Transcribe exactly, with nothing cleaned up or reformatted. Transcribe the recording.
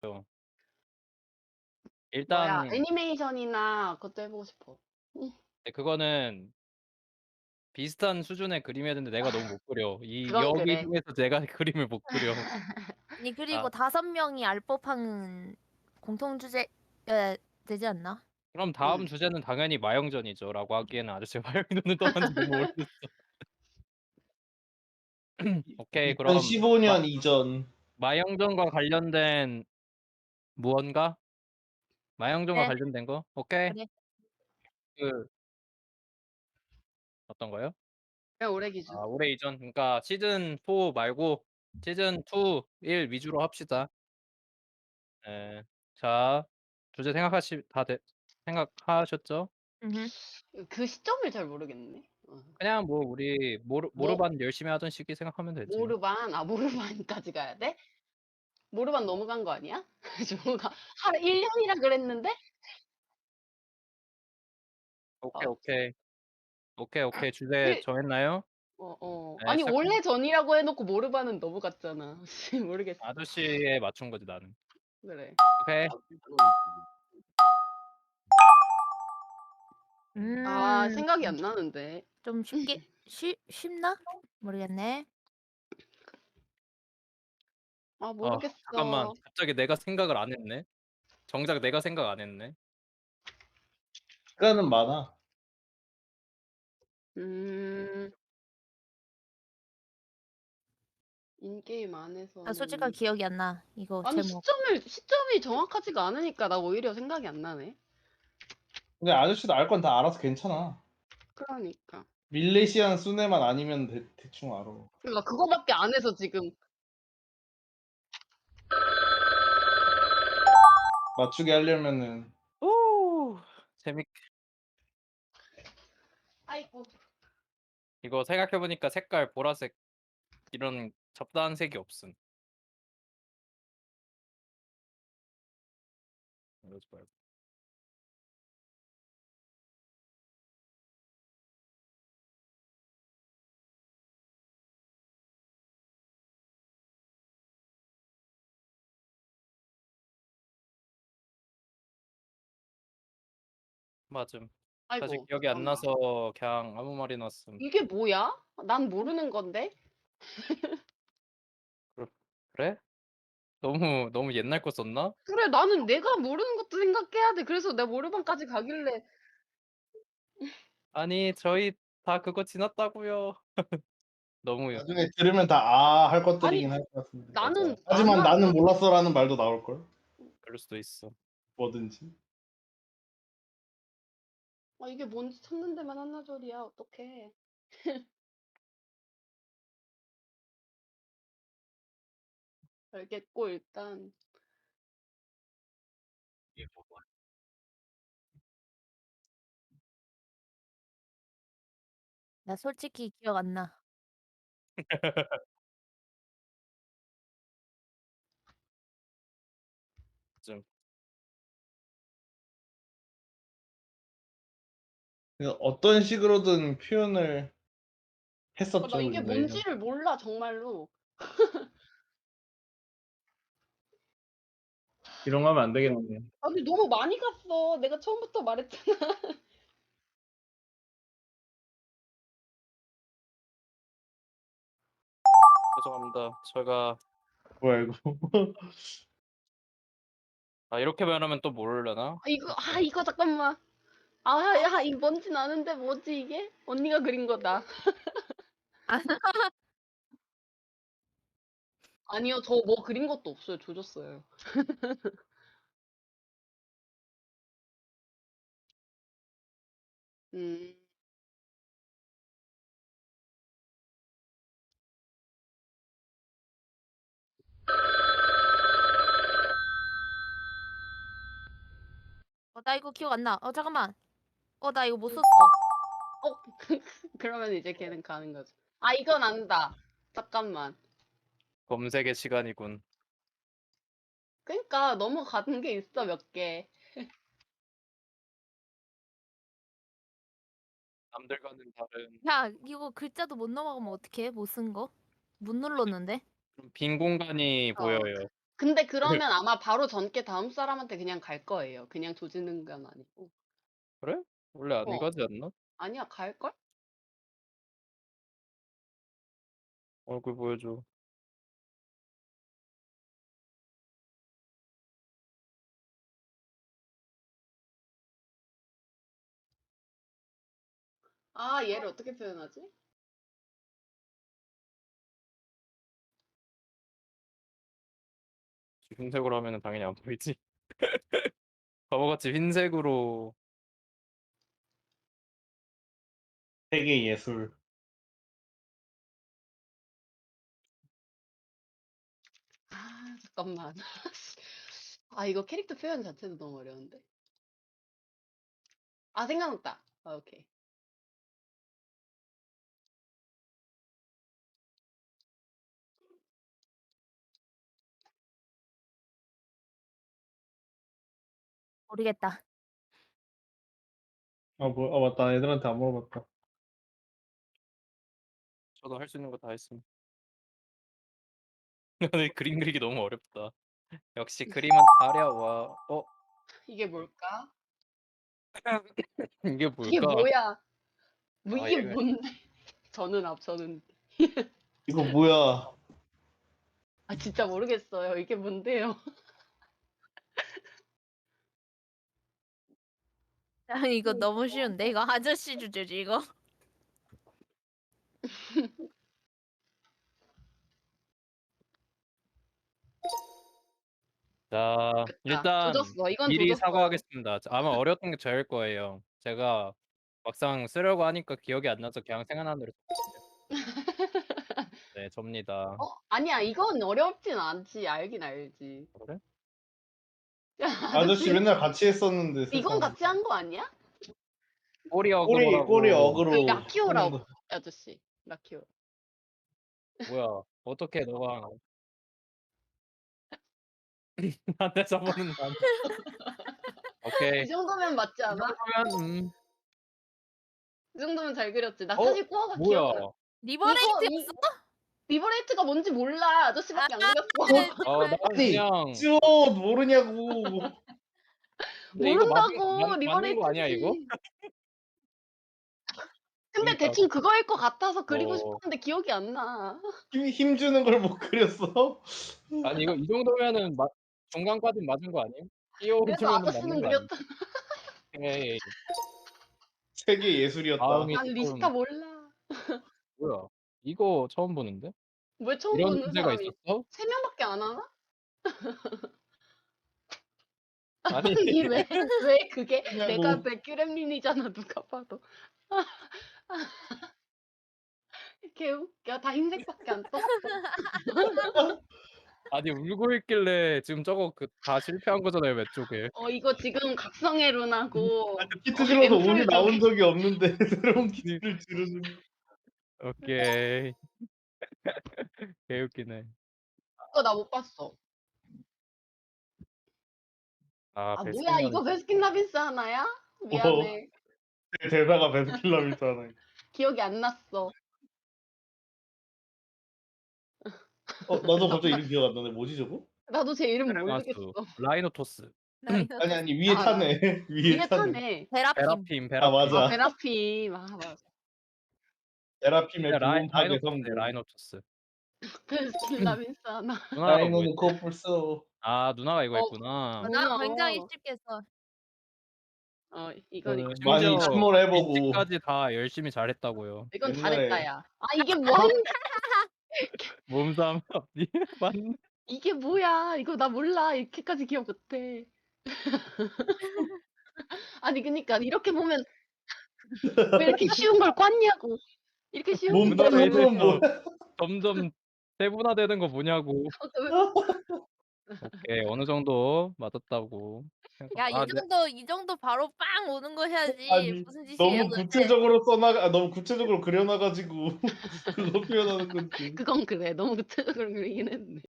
뭐야 일단 애니메이션이나 그것도 해 보고 싶어. 응. 네 그거는 비슷한 수준의 그림이어야 되는데 내가 너무 못 그려. 이 그건 여기 그래. 중에서 내가 그림을 못 그려. 아니 그리고 아. 다섯 명이 알 법한 공통 주제여야 되지 않나? 그럼 다음 음. 주제는 당연히 마영전이죠라고 하기에는 아저씨가 마영이 눈을 떠봤는지 너무 오래됐어. 오케이 그럼 이천십오 마 년 이전. 마영전과 관련된 무언가? 마영전과 네. 관련된 거? 오케이. 그래. 그 어떤 거요? 그냥 올해 기준. 아 올해 이전 그러니까 시즌 사 말고 시즌 투, 일 위주로 합시다. 예. 자 주제 생각하시 다 됐 생각하셨죠? 음흠. 그 시점을 잘 모르겠네. 어. 그냥 뭐 우리 모르 뭐 모르반 열심히 하던 시기 생각하면 되지. 모르반 아 모르반까지 가야 돼? 모르반 너무 간 거 아니야? 뭐가 한 일 년이라 그랬는데? 오케이, 어. 오케이. 오케이, 오케이. 주제 그 정했나요? 어어. 네 아니 시작합니다. 올해 전이라고 해 놓고 모르반은 너무 갔잖아. 모르겠어. 아저씨에 맞춘 거지 나는. 그래. 오케이. 아 음. 생각이 안 나는데. 좀 쉽게 쉬 쉽나? 모르겠네. 아 아 잠깐만. 모르겠어. 갑자기 내가 생각을 안 했네. 정작 내가 생각 안 했네. 시간은 많아. 음. 인게임 나 솔직하게 안에서는 기억이 안 나. 이거 아니 제목. 시점을 시점이 정확하지가 않으니까 나 오히려 생각이 안 나네. 근데 아저씨도 알 건 다 알아서 괜찮아. 그러니까. 밀레시안 순회만 아니면 대 대충 알아. 그러니까 그거밖에 안 해서 지금 맞추게 하려면은 오 재밌 아이고. 이거 생각해 보니까 색깔 보라색 이런 잡다한 색이 없음. 이러지 말고. 맞음. 사실 아이고 기억이 안 잠깐만. 나서 그냥 아무 말이나 씀. 이게 뭐야? 난 모르는 건데. 그렇 그래? 너무 너무 옛날 거 썼나? 그래 나는 내가 모르는 것도 생각해야 돼. 그래서 내가 모르반까지 가길래 아니 저희 다 그거 지났다고요. 너무 나중에 들으면 다 '아.' 할 아니 것들이긴 할 것 같은데. 나는 안 하지만 하 "나는 몰랐어."라는 말도 나올 걸. 그럴 수도 있어. 뭐든지. 아 이게 뭔지 찾는 데만 한나절이야. 어떡해. 알겠고 일단 나 솔직히 기억 안 나. 좀 그 어떤 식으로든 표현을 아 나 했었죠, 이게 우리가 예전. 뭔지를 몰라 정말로. 이런 거 하면 안 되겠네. 아니 너무 많이 갔어. 내가 처음부터 말했잖아. 죄송합니다. 제가 뭐야 이거. 아 이렇게 말하면 또 모르려나? 아 이거 아 이거 잠깐만. 아 야 이거 뭔진 아는데 뭐지 이게? 언니가 그린 거다. 아니요. 저 뭐 그린 것도 없어요. 조졌어요. 음. 어 나 이거 기억 안 나. 어 잠깐만. 어 나 이거 못 음. 썼어. 어 그러면 이제 걔는 가는 거죠. 아 이건 안다. 잠깐만. 검색의 시간이군. 그러니까 넘어가는 게 있어 몇 개. 남들과는 다른 야 이거 글자도 못 넘어가면 어떡해? 못 쓴 거? 못 눌렀는데. 좀 빈 공간이 어. 보여요. 근데 그러면 아마 바로 전께 다음 사람한테 그냥 갈 거예요. 그냥 조지는 건 아니고. 그래? 원래 안 어. 가지 않나? 아니야, 갈걸? 얼굴 보여줘. 아, 얘를 어떻게 표현하지? 흰색으로 하면은 당연히 안 보이지. 바보같이 흰색으로 세계 예술. 아, 잠깐만. 아, 이거 캐릭터 표현 자체도 너무 어려운데. 아, 생각났다. 아, 오케이. 모르겠다. 아, 뭐, 아, 맞다. 애들한테 안 물어봤다. 저도 할 수 있는 거 다 했음. 근데 그림 그리기 너무 어렵다. 역시 그림은 어려워. 어? 이게 뭘까? 이게 이게 뭘까? 뭐야? 뭐 아, 이게 얘가- 뭔데? 저는 앞, 저는. 이거 뭐야? 아, 진짜 모르겠어요. 이게 뭔데요? 아, 이거 너무 쉬운데? 이거 아저씨 주제지 이거. 자, 됐다. 일단 조졌어. 이건 미리 조졌어. 사과하겠습니다. 아마 어려웠던 게 저일 거예요. 제가 막상 쓰려고 하니까 기억이 안 나서 그냥 생각나는 대로 썼거든요. 네, 접니다. 어? 아니야, 이건 어렵진 않지. 알긴 알지. 그래? 아저씨 맨날 같이 했었는데 이건 세상. 같이 한 거 아니야? 꼬리 꼬리 어그로라고. 꼬리 그 어그로. 라키오라 하는 거. 아저씨. 라키오. 뭐야? 어떻게 너가 나한테 써보는 난. 오케이. 이 정도면 맞지 이 않아? 정도면 음. 이 정도면 잘 그렸지. 나 어? 사실 꼬아가 뭐야? 기억이 안. 리버레이트였어? 리버레이트가 뭔지 몰라. 아저씨밖에 안 그렸어. 어, 난 아니, 그냥 찌워 모르냐고. 근데 이거 맞는 모른다고. 맞, 맞는 리버레이트지. 거 아니야 이거? 근데 그러니까 대충 그거일 것 같아서 그리고 어. 싶었는데 기억이 안 나. 힘, 힘 주는 걸 못 그렸어? 아니 이거 이 정도면은 마, 중간까지 맞은 거 아니에요? 그래서 띄워주면은 맞는 아저씨는 거 아니에요? 그렸다. 오케이. 세계 예술이었다. 다음이 난 리스타 조금 몰라. 뭐야? 이거 처음 보는데? 왜 처음 이런 보는 주제가 사람이 있었어? 세 명밖에 안 하나? 아니 아니 왜, 왜 그게 그냥 내가 뭐- 백규렘린이잖아 누가 봐도. 개웃겨. 다 흰색밖에 안 떴어. 아니 울고 있길래 지금 저거 그 다 실패한 거잖아요 왼쪽에. 어 이거 지금 각성의 룬하고 키트 어, 줄어서 앰플 운이 두 나온 개. 적이 없는데 새로운 키트를 줄여주는. 오케이. 개웃기네. 그거 나 못 봤어. 아, 아 베스킨 뭐야 라빈스. 이거 베스킨라빈스 하나야? 미안해. 대사가 베스킨라빈스 하나. 기억이 안 났어. 어, 나도 갑자기 이름 기억 안 나네. 뭐지 저거? 나도 제 이름 마수 모르겠어. 라이노토스. 아니 아니 위에 아, 타네. 위에 이게 타네. 타네. 베라핌. 베라핌 베라핌. 아 맞아. 아 베라핌. 아 맞아. 에라핌의 라이, 부분 파괴 라이노토스 성공. 라이노토스. 베스킨라빈스 하나. 누나가 뭐 라이노는 했지? 커플 써. 아 누나가 이거 어, 했구나. 누나. 나 굉장히 쉽게 써. 어 이건 저는 이거 많이 심지어 침몰해보고 이때까지 다 열심히 잘했다고요. 이건 옛날에- 잘했다 야. 아 이게 뭐 하는 몸싸움 앞뒤 맞네. 이게 뭐야? 이거 나 몰라. 이렇게까지 기억 못해. 아니 그니까 이렇게 보면 왜 이렇게 쉬운 걸 꿨냐고. 이렇게 쉬운 몸 거 누나가 따는 건 이래서 뭐야? 점점 세분화되는 거 뭐냐고. 오케이 어느 정도 맞았다고. 야, 이 아, 네. 정도 이 정도 바로 빵 오는 거 해야지. 아니, 무슨 짓이에요? 너무 도대체? 구체적으로 써나가 아, 너무 구체적으로 그려놔가지고 그거 표현하는 건지. 그건 그래. 너무 구체적으로 그리긴 했네.